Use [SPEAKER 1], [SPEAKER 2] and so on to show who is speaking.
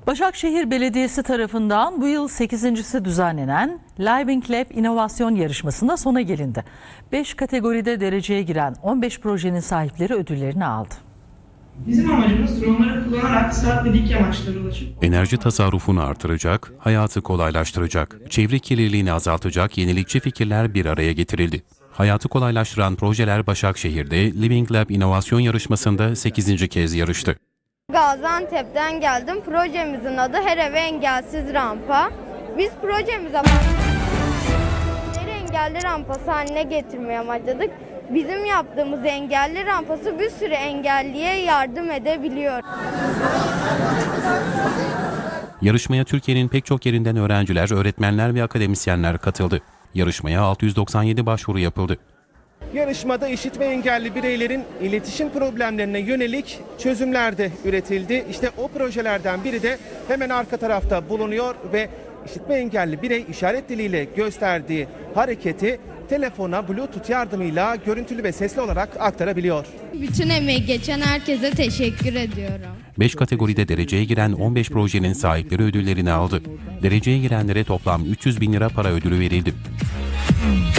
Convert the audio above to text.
[SPEAKER 1] Başakşehir Belediyesi tarafından bu yıl 8.'si düzenlenen Living Lab İnovasyon Yarışması'nda sona gelindi. 5 kategoride dereceye giren 15 projenin sahipleri ödüllerini aldı.
[SPEAKER 2] Bizim amacımız dronları kullanarak saat ve dik yamaçlara ulaşıp
[SPEAKER 3] enerji tasarrufunu artıracak, hayatı kolaylaştıracak, çevre kirliliğini azaltacak yenilikçi fikirler bir araya getirildi. Hayatı kolaylaştıran projeler Başakşehir'de Living Lab İnovasyon Yarışması'nda 8. kez yarıştı.
[SPEAKER 4] Gaziantep'ten geldim. Projemizin adı Her Eve Engelsiz Rampa. Biz projemize engelli rampası haline getirmeye amaçladık. Bizim yaptığımız engelli rampası bir sürü engelliye yardım edebiliyor.
[SPEAKER 3] Yarışmaya Türkiye'nin pek çok yerinden öğrenciler, öğretmenler ve akademisyenler katıldı. Yarışmaya 697 başvuru yapıldı.
[SPEAKER 5] Yarışmada işitme engelli bireylerin iletişim problemlerine yönelik çözümler de üretildi. İşte o projelerden biri de hemen arka tarafta bulunuyor ve işitme engelli birey işaret diliyle gösterdiği hareketi telefona Bluetooth yardımıyla görüntülü ve sesli olarak aktarabiliyor.
[SPEAKER 4] Bütün emeği geçen herkese teşekkür ediyorum.
[SPEAKER 3] 5 kategoride dereceye giren 15 projenin sahipleri ödüllerini aldı. Dereceye girenlere toplam 300.000 lira para ödülü verildi.